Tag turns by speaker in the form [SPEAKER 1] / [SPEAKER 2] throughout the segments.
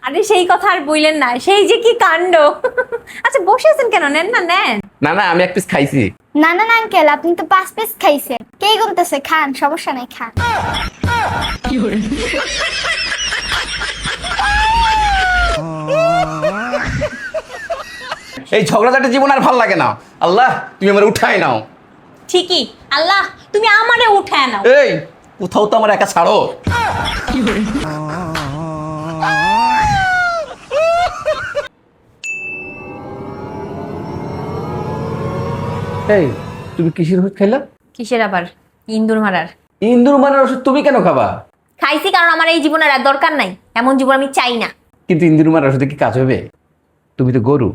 [SPEAKER 1] আরে সেই কথা আর বললেন না, সেই যে কি কাণ্ড। আচ্ছা বসে আছেন কেন, নেন না নেন।
[SPEAKER 2] না না, আমি এক পিস খাইছি।
[SPEAKER 3] না না না আঙ্কেল, আপনি তো 5 পিস খাইছেন। কে গুনতেছে? খান, সমস্যা নাই, খান।
[SPEAKER 2] এই ঝগড়াঝাটি জীবন আর ভাল লাগে না। আল্লাহ তুমি আমার উঠাই নাও।
[SPEAKER 1] ঠিকই, আল্লাহ তুমি আমারে উঠায় নাও।
[SPEAKER 2] এই কোথাও তো আমার একা ছাড়ো। এই তুমি কিসের ওষুধ খাইলা?
[SPEAKER 1] কিসের আবার? ইন্দুর মারার।
[SPEAKER 2] ইন্দুর মারার ওষুধ তুমি কেন খাবা?
[SPEAKER 1] খাইছি কারণ আমার এই জীবনের আর দরকার নাই, এমন জীবন আমি চাই না।
[SPEAKER 2] কিন্তু ইন্দুর মারার ওষুধে কি কাজ হবে? তুমি তো গরু।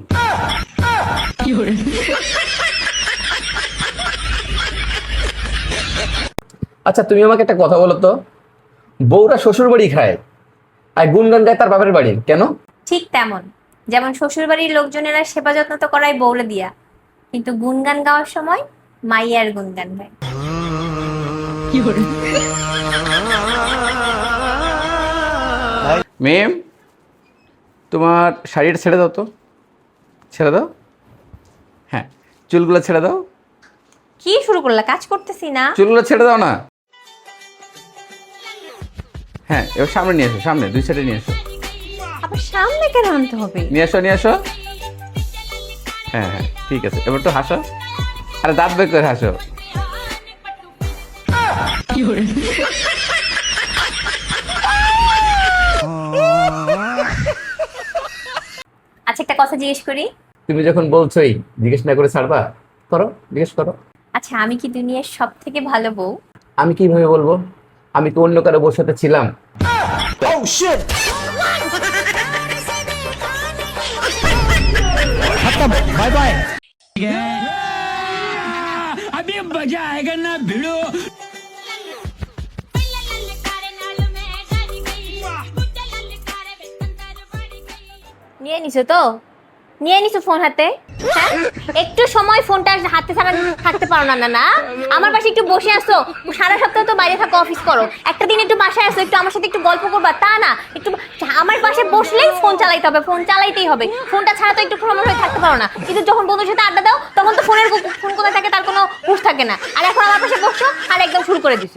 [SPEAKER 2] আচ্ছা তুমি আমাকে একটা কথা বলো তো, বউরা শ্বশুর বাড়ি খায় আর গুনগান গায় তার বাপের বাড়ি, কেন?
[SPEAKER 1] ঠিক তেমন, যেমন শ্বশুর বাড়ির লোকজনেরা সেবা যত্ন তো করাই বউরে দিয়া, কিন্তু গুনগান গাওয়ার সময় মাইয়ার গুনগান গায়।
[SPEAKER 2] মেম, তোমার শাড়িটা ছেড়ে দাও তো, ছেড়ে দাও। হ্যাঁ, চুলগুলো ছেড়ে দাও।
[SPEAKER 1] কি শুরু করলা? কাজ করতেছি না।
[SPEAKER 2] চুলগুলো ছেড়ে দাও না। হ্যাঁ, এবার সামনে নিয়ে এসো, সামনে দুই সাইডে নিয়ে এসো।
[SPEAKER 1] আবার সামনে কেন আনতে হবে?
[SPEAKER 2] নিয়ে এসো, নিয়ে এসো। হ্যাঁ হ্যাঁ, ঠিক আছে, এবার একটু হাসো। আরে দাঁত বের করে হাসো।
[SPEAKER 1] আচ্ছা একটা কথা জিজ্ঞেস করি।
[SPEAKER 2] তুমি যখন বলছোই জিজ্ঞেস না করে ছাড়বা, করো, জিজ্ঞেস করো।
[SPEAKER 1] আচ্ছা আমি কি দুনিয়ার সব থেকে ভালো বউ?
[SPEAKER 2] আমি কিভাবে বলবো? আমি তো অন্য কারো বউর সাথে ছিলাম।
[SPEAKER 4] बाय बाय अभी मजा आएगा ना भिड़ो।
[SPEAKER 1] নিয়ে নিছো তো? নিয়ে নিছো ফোন হাতে? হ্যাঁ, একটু সময় ফোনটা হাতে ছাড়া থাকতে পারো না? না না, আমার পাশে একটু বসে আসো। সারা সপ্তাহ তো বাইরে থাকো, অফিস করো, একটা দিন একটু বাসায় আসো, একটু আমার সাথে একটু গল্প করবা, তা না একটু আমার পাশে বসলেই ফোন চালাইতে হবে, ফোন চালাইতেই হবে। ফোনটা ছাড়া তো একটু সময় হয়ে থাকতে পারো না। কিন্তু যখন বন্ধুর সাথে আড্ডা দাও তখন তো ফোন কোথায় থাকে তার কোনো হুঁশ থাকে না। আর এখন আমার পাশে বসছো আর একদম শুরু করে দিছো।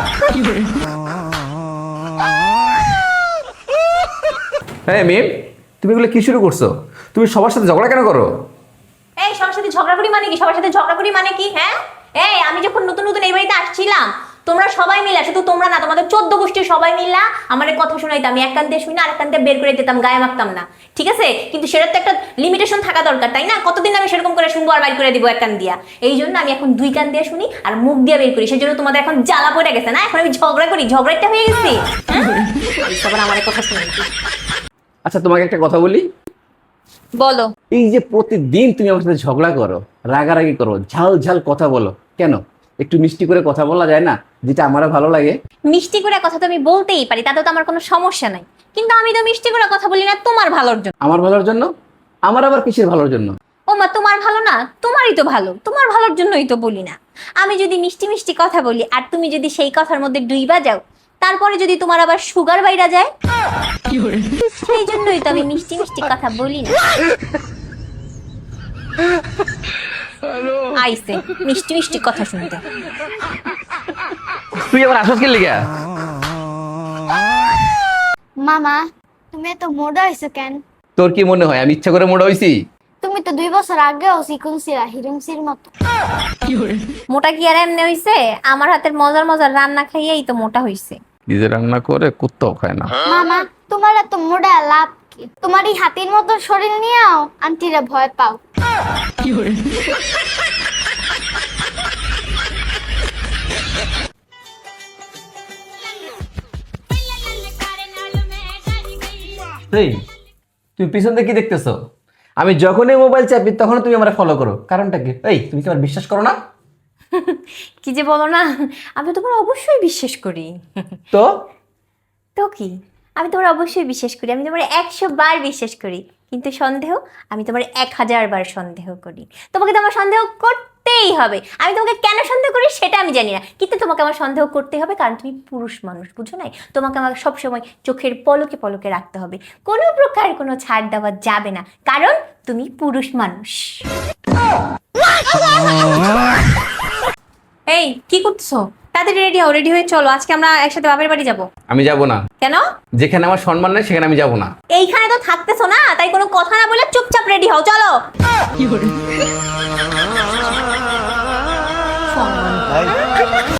[SPEAKER 2] হ্যাঁ মিম, তুমি এগুলো কি শুরু করছো? তুমি সবার সাথে ঝগড়া কেন করো?
[SPEAKER 1] এই সবার সাথে ঝগড়া করি মানে কি? সবার সাথে ঝগড়া করি মানে কি? হ্যাঁ, এই আমি যখন নতুন নতুন এই বাড়িতে আসছিলাম, তোমরা সবাই মিলা, শুধু তোমরা না, তোমাদের 14 গোষ্ঠীর সবাই মিলা আমার কথা শোনাইতাম। আমি এক কান দিয়ে শুনি, আরেক কান দিয়ে বের করে দিতাম, গায়ে মাখতাম না, ঠিক আছে? কিন্তু সেটার তো একটা লিমিটেশন থাকা দরকার, তাই না? কতদিন আমি সেরকম করে শুনবো আর বাইর করে দিব এক কান দিয়া? এই জন্য আমি এখন 2 কান দিয়ে শুনি আর মুখ দিয়ে বের করি। সেই জন্য তোমাদের এখন জ্বালা পড়ে গেছে না? এখন আমি ঝগড়া করি, ঝগড়াটা হয়ে গেছি। সবার আমার কথা শুনে।
[SPEAKER 2] আচ্ছা তোমাকে একটা কথা বলি,
[SPEAKER 1] বলো।
[SPEAKER 2] এই যে প্রতিদিন তুমি আমার সাথে ঝগড়া করো, রাগারাগি করো, ঝাল ঝাল কথা বলো, কেন? একটু মিষ্টি করে কথা বলা যায় না, যেটা আমারও ভালো লাগে?
[SPEAKER 1] মিষ্টি করে কথা তো আমি বলতেই পারি, তাতে তো আমার কোনো সমস্যা নাই, কিন্তু আমি তো মিষ্টি করে কথা বলি না তোমার ভালোর জন্য।
[SPEAKER 2] আমার ভালোর জন্য? আমার আবার কিসের ভালোর জন্য?
[SPEAKER 1] ও মা, তোমার ভালো না? তোমারই তো ভালো, তোমার ভালোর জন্যই তো বলি না। আমি যদি মিষ্টি মিষ্টি কথা বলি আর তুমি যদি সেই কথার মধ্যে ডুইবা যাও, তারপরে যদি তোমার আবার সুগার বাইরা যায়, সেই জন্যই তো আমি মিষ্টি মিষ্টি কথা বলি না। আইসে মিষ্টি মিষ্টি কথা শুনতে।
[SPEAKER 2] তুই আবার আসস কে লিগা?
[SPEAKER 3] মামা, তুমি এত মোটা হইছো কেন?
[SPEAKER 2] তোর কি মনে হয় আমি ইচ্ছা করে মোটা হইছি?
[SPEAKER 3] তুমি তো 2 বছর আগেও চিকুন ছিলা, হিরুমসির মতো।
[SPEAKER 1] মোটা কি আর এমনি হইছে? আমার হাতের মজার মজার রান্না খাইয়েই তো মোটা হইছে।
[SPEAKER 2] কি যে রান্না করে কুত্তাও খায় না।
[SPEAKER 3] মামা, তোমার এত মোটা লাভ কি? তোমার এই হাতির মতো শরীর নিয়েও আন্টিরা ভয় পাও।
[SPEAKER 2] এই তুমি পিছন দিয়ে কি দেখতেছো? আমি যখনই মোবাইল চাপি তখন তুমি আমার ফলো করো, কারণটা কি? এই তুমি কি আমার বিশ্বাস করো না?
[SPEAKER 1] কি যে বলো না, আমি তোমার অবশ্যই বিশ্বাস করি।
[SPEAKER 2] তো
[SPEAKER 1] তো কি, আমি তোমার অবশ্যই বিশ্বাস করি, আমি তোমার 100 বার বিশ্বাস করি, কিন্তু সন্দেহ, আমি তোমার 1000 বার সন্দেহ করি। তোমাকে তো আমার সন্দেহ করতে করতেই হবে। আমি তোমাকে কেন সন্দেহ করি সেটা আমি জানি না, কিন্তু তোমাকে আমার সন্দেহ করতে হবে, কারণ তুমি পুরুষ মানুষ, বুঝো নাই? তোমাকে আমার সবসময় চোখের পলকে পলকে রাখতে হবে, কোনো প্রকার কোনো ছাড় দেওয়া যাবে না, কারণ তুমি পুরুষ মানুষ। এই কি করছো? তাড়াতাড়ি রেডি হও, রেডি হয়ে চলো, আজকে আমরা একসাথে বাপের বাড়ি যাব।
[SPEAKER 2] আমি যাব না।
[SPEAKER 1] কেন?
[SPEAKER 2] যেখানে আমার সম্মান নেই সেখানে আমি যাব না।
[SPEAKER 1] এইখানে তো থাকতেছো না, তাই কোনো কথা না বলে চুপচাপ রেডি হও, চলো।